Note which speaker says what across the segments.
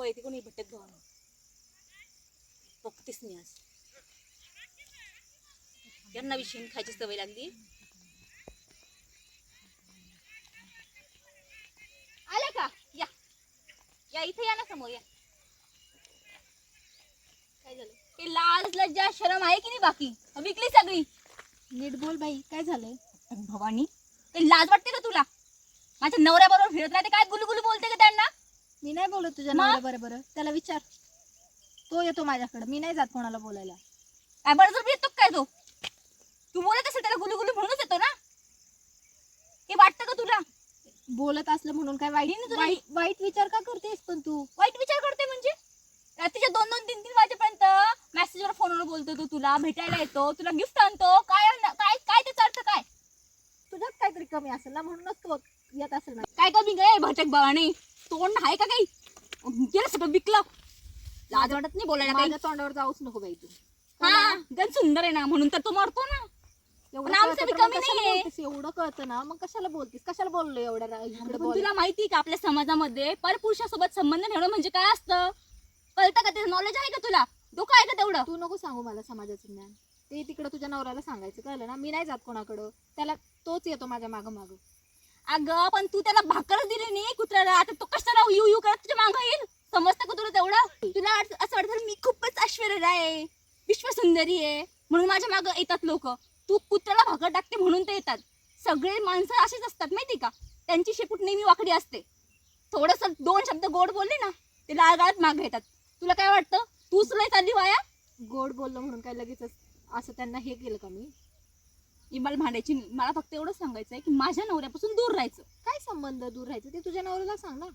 Speaker 1: येते कोणी भट्ट्यात भावानं बघतेस मी आज यांना विषयी खायची सवय लागली. आले का? या या इथे या ना समोर या. काय झालं? ते लाज लज्जा शरम आहे की नाही बाकी विकली सगळी.
Speaker 2: नीट बोल बाई, काय झालंय?
Speaker 1: भवानी ते लाज वाटते का तुला? माझ्या नवऱ्याबरोबर फिरत राहते काय गुलगुलू बोलते का त्यांना?
Speaker 2: मी नाही बोलत तुझ्या नवऱ्या बरोबर. त्याला विचार, तो येतो माझ्याकडे. मी नाही जात कोणाला बोलायला.
Speaker 1: काय बळजबरी येतो काय तो? तू बोलत असेल त्याला गुलगुलू म्हणूनच येतो ना? हे वाटतं का तुला?
Speaker 2: बोलत असलं म्हणून काय वाईट विचार का करतेस? पण तू
Speaker 1: वाईट विचार करते म्हणजे? रात्रीच्या 2-2, 3-3 वाजेपर्यंत मेसेजवर फोनवर बोलतो तो, तुला भेटायला येतो, तुला गिफ्ट आणतो. काय काय काय त्याचा अर्थ काय?
Speaker 2: तुझ्यात काहीतरी कमी असेल ना, म्हणूनच तो येत असेल ना.
Speaker 1: काय कमी गे भटक बाबाने? तोंड आहे का काही? गेलं सगळं विकलं. लाज वाटत नाही बोलायला काही?
Speaker 2: माझ्या तोंडावर जाऊच नको बाई तू.
Speaker 1: हा गण सुंदर आहे ना म्हणून तर तो मरतो ना.
Speaker 2: एवढं कळतं ना, मग कशाला बोलतीस? कशाला बोललो एवढ्या?
Speaker 1: तुला माहिती का आपल्या समाजामध्ये परपुरुषासोबत संबंध ठेवणं म्हणजे काय असतं? कळतं का? त्याचं नॉलेज आहे का तुला? डोकं आहे का तेवढं?
Speaker 2: तू नको सांगू मला समाजाचं ज्ञान. ते तिकडं तुझ्या नवऱ्याला सांगायचं, कळलं ना? मी नाही जात कोणाकडं. त्याला तोच येतो माझ्या मागं मागं.
Speaker 1: अगं पण तू त्याला भाकर दिली नाही कुत्र्याला, आता तो कशाला यू यू करत तुझ्या मागं येईल? समजतं का तुला तेवढं? तुला असं वाटतं मी खूपच ऐश्वर्य आहे, विश्वसुंदरी आहे म्हणून माझ्या मागं येतात लोक. तू कुत्र्याला भाकर टाकते म्हणून ते येतात. सगळे माणसं असेच असतात माहिती का? त्यांची शेपूट नेहमी वाकडी असते. थोडस 2 शब्द गोड बोलले ना ते लाळगाळात मागे येतात. तुला काय वाटतं तूच लय चालली वाया?
Speaker 2: गोड बोललो म्हणून काय लगेच असं त्यांना हे केलं का मी?
Speaker 1: इमाल भांडायची नाही. मला फक्त एवढं सांगायचंय की माझ्या नवऱ्यापासून दूर राहायचं.
Speaker 2: काय संबंध दूर राहायचं ते तुझ्या नवऱ्याला सांग ना.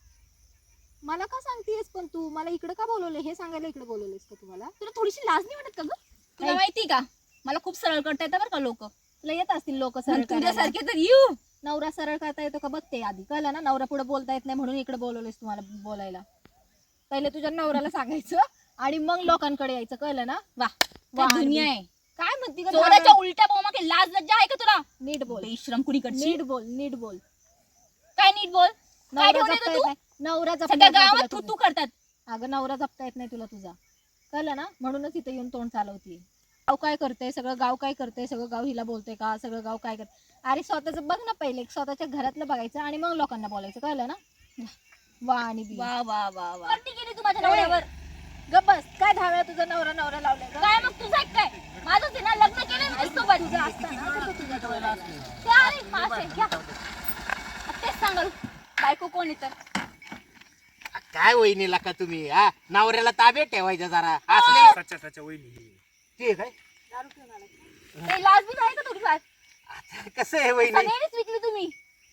Speaker 2: मला का सांगतेस? पण तू मला इकडे का बोलवले हे सांगायला इकडे बोलवलेस का? तुम्हाला
Speaker 1: तुला थोडीशी लाज नाही वाटत का ग? तुला माहिती का मला खूप सरळ करता येतं बरं का लोक.
Speaker 2: तुला येत असतील लोक सरळ
Speaker 1: तुझ्यासारखे तर येऊ.
Speaker 2: नवरा सरळ करता येतो का बघते आधी, कळलं ना? नवरा पुढे बोलता येत नाही म्हणून इकडे बोलवलेस तुम्हाला बोलायला. पहिले तुझ्या नवऱ्याला सांगायचं आणि मग लोकांकडे यायचं, कळलं ना?
Speaker 1: वा दुनिया आहे.
Speaker 2: काय म्हणती का?
Speaker 1: चोराच्या उलट्या बोमा की लाज लज्जा आहे का तुला?
Speaker 2: नीट बोल.
Speaker 1: बेशरम कुणीकडची.
Speaker 2: नीट बोल, नीट बोल.
Speaker 1: काय नीट बोल? काय
Speaker 2: नवरा
Speaker 1: ठेवलं
Speaker 2: जपता
Speaker 1: तू?
Speaker 2: येत नाही. नवरा जपता
Speaker 1: सगळ्या
Speaker 2: येत नाही
Speaker 1: गावात
Speaker 2: तुला
Speaker 1: तू
Speaker 2: तुझा.
Speaker 1: करतात.
Speaker 2: अगं नवरा जपता येत नाही तुला तुझा, कळलं ना? म्हणूनच इथे येऊन तोंड चालवतीये. गाव काय करते? सगळं गाव काय करते? सगळं गाव हिला बोलते का? सगळं गाव काय करते? अरे स्वतःचं बघ ना पहिले. स्वतःच्या घरातलं बघायचं आणि मग लोकांना बोलायचं, कळलं ना? वा आणि बी.
Speaker 1: वा वा वा वा. करती गेली तू माझ्या नवऱ्यावर.
Speaker 2: गप बस. काय धाव्या तुझा नवरा नवरा लावलाय का?
Speaker 1: काय मग तुझं काय? माझं ते ना लग्न केलं मी सोबत.
Speaker 2: तुझा असताना तर तो तुझ्या डोळ्याला असतो.
Speaker 1: ते अरे मासे घ्या. तेच सांगाल बायको कोण येतं?
Speaker 3: काय वहिनीला का तुम्ही हा नवऱ्याला ताबे ठेवायचं जरा असले
Speaker 4: सच्चा वहिनी
Speaker 3: ते काय
Speaker 2: दारू पिऊन आला.
Speaker 1: ते लाज बी नाही का थोडीफार?
Speaker 3: कसं आहे वहिनी
Speaker 1: सगळ्यांनीच विकली तुम्ही.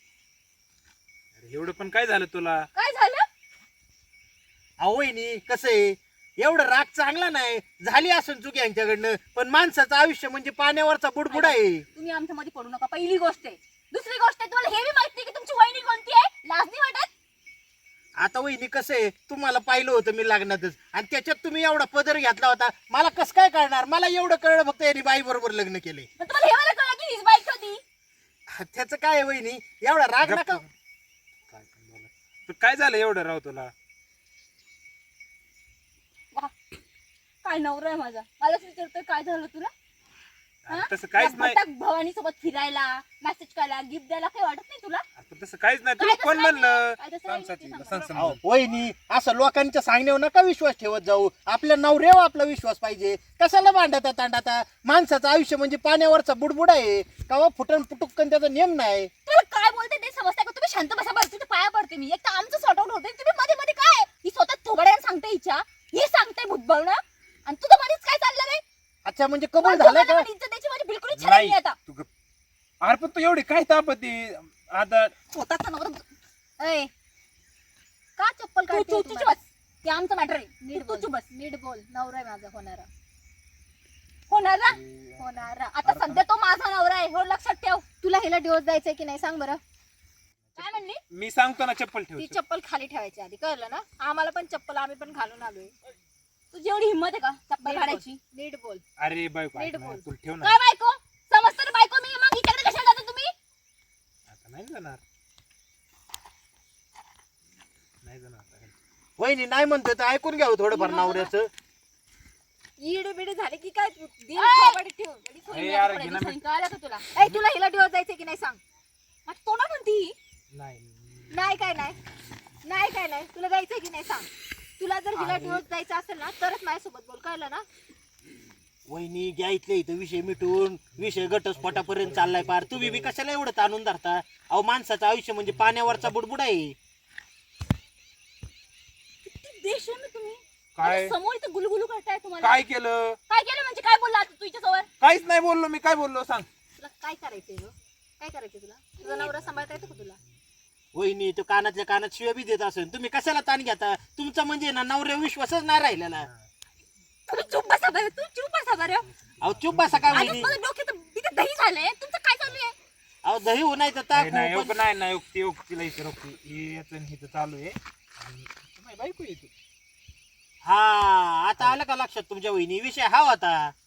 Speaker 4: एवढं पण काय झालं तुला?
Speaker 1: काय झालं?
Speaker 3: अहो वहिनी कसं आहे एवढं राग चांगला नाही झाली असून चुकी यांच्याकडनं पण माणसाचं आयुष्य म्हणजे पाण्यावरचा बुडबुड आहे.
Speaker 1: तुम्ही आमच्या मध्ये पडू नका. पहिली गोष्ट आहे. दुसरी गोष्ट आहे तुम्हाला हे बी माहित नाही की तुमची वहिनी कोणती आहे? लाज नाही वाटत?
Speaker 3: आता वहिनी कसं आहे तुम्हाला पाहिलं होतं मी लग्नातच आणि त्याच्यात तुम्ही एवढा पदर घेतला होता मला कसं काय कळणार? मला एवढं कळलं फक्त यांनी बाई बरोबर लग्न केले.
Speaker 1: पण तुम्हाला हे मला कळलं की हीच बाईक होती.
Speaker 3: त्याचं काय आहे वहिनी एवढा राग नका.
Speaker 4: काय झालं एवढं राव तुला?
Speaker 1: वा काय नवरा आहे माझा. मलाच विचारतोय काय झालं तुला?
Speaker 4: तसं काहीच नाही.
Speaker 1: भवानी सोबत फिरायला मेसेज करायला गिफ्ट द्यायला काही वाटत नाही तुला?
Speaker 4: तसं काहीच नाही. तुला कोण म्हणलं?
Speaker 3: अहो, वहिनी असं लोकांच्या सांगण्यावर नका विश्वास ठेवत जाऊ. आपल्या नवऱ्यावर आपला विश्वास पाहिजे. कशाला भांडता तांडाता? माणसाचं आयुष्य म्हणजे पाण्यावरचा बुडबुड आहे. कवा फुटण पुटुकन त्याचा नियम नाही.
Speaker 1: तुला काय बोलते ते समजतं का? तुम्ही शांत बसा बरं. तुझ्या पाया पडते मी. एक तर आमचं सॉर्ट आउट होतंय. तुम्ही मध्ये मध्ये काय ही स्वतः थोबड्याने सांगते हिच्या हे सांगते भूतबळ ना आणि तुझं मध्येच काय चाललं नाही?
Speaker 3: अच्छा म्हणजे कबूल झालं का?
Speaker 1: त्याची माझी बिलकुल इच्छा नाही आता.
Speaker 4: अरे पण तू एवढी काय तापती आता?
Speaker 1: स्वतःचा नवरा
Speaker 2: ए का चप्पल
Speaker 1: तू
Speaker 2: काढते?
Speaker 1: तुझी बस. ते आमचं मॅटर आहे.
Speaker 2: नीट
Speaker 1: तू
Speaker 2: बोल.
Speaker 1: बस.
Speaker 2: नीट बोल. नवरा आहे माझा होणारा.
Speaker 1: होणार आता सध्या तो माझा नवरा आहे हो लक्षात ठेव.
Speaker 2: तुला हिला डिवोर्स द्यायचंय की नाही सांग बरं?
Speaker 1: काय म्हणली?
Speaker 4: मी सांगतो ना चप्पल ठेव.
Speaker 2: ती चप्पल खाली ठेवायची आधी, कळलं ना? आम्हाला पण चप्पल आम्ही पण घालून आलोय.
Speaker 1: तुझी एवढी हिंमत आहे का चप्पल काढायची?
Speaker 2: नीट बोल.
Speaker 4: अरे बायको
Speaker 2: नीट
Speaker 4: ऐक ना,
Speaker 2: बोल.
Speaker 4: तू ठेव ना.
Speaker 1: काय बायको? समजतं ना बायको मी. मग हिच्याकडे कशाला जाता तुम्ही?
Speaker 4: आता नाही जाणार. नाही जाणार आता.
Speaker 3: वहिनी नाही म्हणतोय तर ऐकून घ्यावं थोडंफार नवऱ्याचं.
Speaker 2: इडे बिडे झाले की काय तू दिल
Speaker 1: ऐ!
Speaker 2: थोबाडीत ठेव.
Speaker 1: लगेच होईल
Speaker 4: ए,
Speaker 1: मी
Speaker 4: यार,
Speaker 1: आता
Speaker 4: घे
Speaker 1: परत
Speaker 4: ना
Speaker 1: दिवसांनी. कळालं का तुला?
Speaker 2: ऐ तुला हिला दिवस जायचं की नाही सांग.
Speaker 1: माझी तोंड म्हणती
Speaker 4: नाही
Speaker 2: नाही काय नाही नाही काय नाही तुला जायचंय की नाही सांग. तुला जर हिला
Speaker 4: अरे.
Speaker 2: दिवस जायचं असेल ना तरच माझ्यासोबत बोल. कळलं ना.
Speaker 3: वहिनी घ्या इथले इथं विषय मिटून विषय घटस्फोटापर्यंत चाललाय पार. तुम्ही बी कशाला एवढं ताणून धरता? अहो माणसाचं आयुष्य म्हणजे पाण्यावरचा बुडबुड आहे.
Speaker 1: किती बेशरम आहे तुम्ही.
Speaker 4: काय
Speaker 1: माझ्या समोर इथं गुलगुलू करताय तुम्हाला.
Speaker 4: काय केलं?
Speaker 1: काय केलं म्हणजे काय बोलला आता तुझ्या समोर?
Speaker 4: काहीच नाही बोललो मी. काय बोललो सांग.
Speaker 2: तुला काय करायचंय ग? काय करायचंय तुला? तुझा नवरा सांभाळता येतो का तुला?
Speaker 3: वहिनी तो कानातल्या कानात शिव्या बी देत असेल. तुम्ही कशाला ताण घेता? तुमचा म्हणजे ना नवऱ्या विश्वासच नाही राहिलेला.
Speaker 1: तुम्ही चुप बसा बरं. तू चुप बसा बरं.
Speaker 3: अहो चुप बसा काय
Speaker 1: आता
Speaker 3: वहिनी?
Speaker 1: माझ्या डोक्यात इथे दही झालंय. तुमचं काय चालू आहे?
Speaker 3: अहो दही हो नाही तर ताक
Speaker 4: नाही
Speaker 3: हो,
Speaker 4: नाही
Speaker 3: पण-
Speaker 4: नाही नाही ती तिला इथे रोखती हे याचं आणि हिचं चालू आहे आणि माझी बायको येते.
Speaker 3: हा आता आलं का लक्षात तुमच्या वहिनी? विषय हा होता.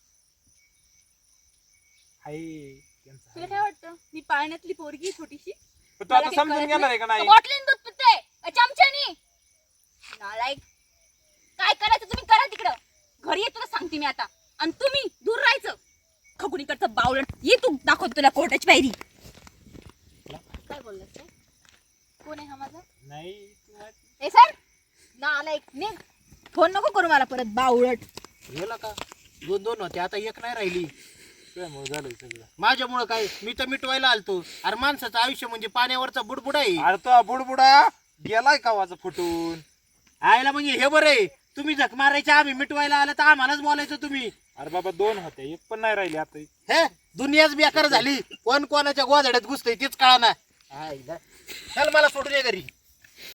Speaker 4: हाय
Speaker 1: तुला काय वाटतं मी पाळण्यातली पोरगी छोटीशी
Speaker 4: पण तू आता समजून घेणार आहे का नाही?
Speaker 1: बॉटलीन दूध पिते चमच्यानी? नालायक. काय करायचं तुम्ही करा तिकडं. घरी ये तुला सांगते मी आता. आणि तुम्ही दूर राहायचं. खकुनीकडचं बावलट ये तू दाखवतो तुला कोर्टाची पायरी.
Speaker 2: काय बोललास रे? कोण आहे हा माझा?
Speaker 4: नाही
Speaker 2: ए सर ना आला एक निघ. फोन नको करू मला परत बावळट.
Speaker 3: गेला का? दोन दोन होते आता एक नाही राहिली.
Speaker 4: त्यामुळे झालं सगळं.
Speaker 3: माझ्यामुळं काय? मी तर मिटवायला आलतो. अरे माणसाचं आयुष्य म्हणजे पाण्यावरचा बुडबुड आहे.
Speaker 4: अरे तो बुडबुडा गेलाय का वाचा फुटून.
Speaker 3: आयला म्हणजे हे बरं आहे. तुम्ही झक मारायचे आम्ही मिटवायला आलं तर आम्हालाच बोलायचं तुम्ही.
Speaker 4: अरे बाबा 2 होते एक पण नाही राहिली आता.
Speaker 3: हे दुनियाच बेकार झाली. कोण कोणाच्या गोधड्यात घुसतंय तेच कळाना. चल मला सोडून ये घरी.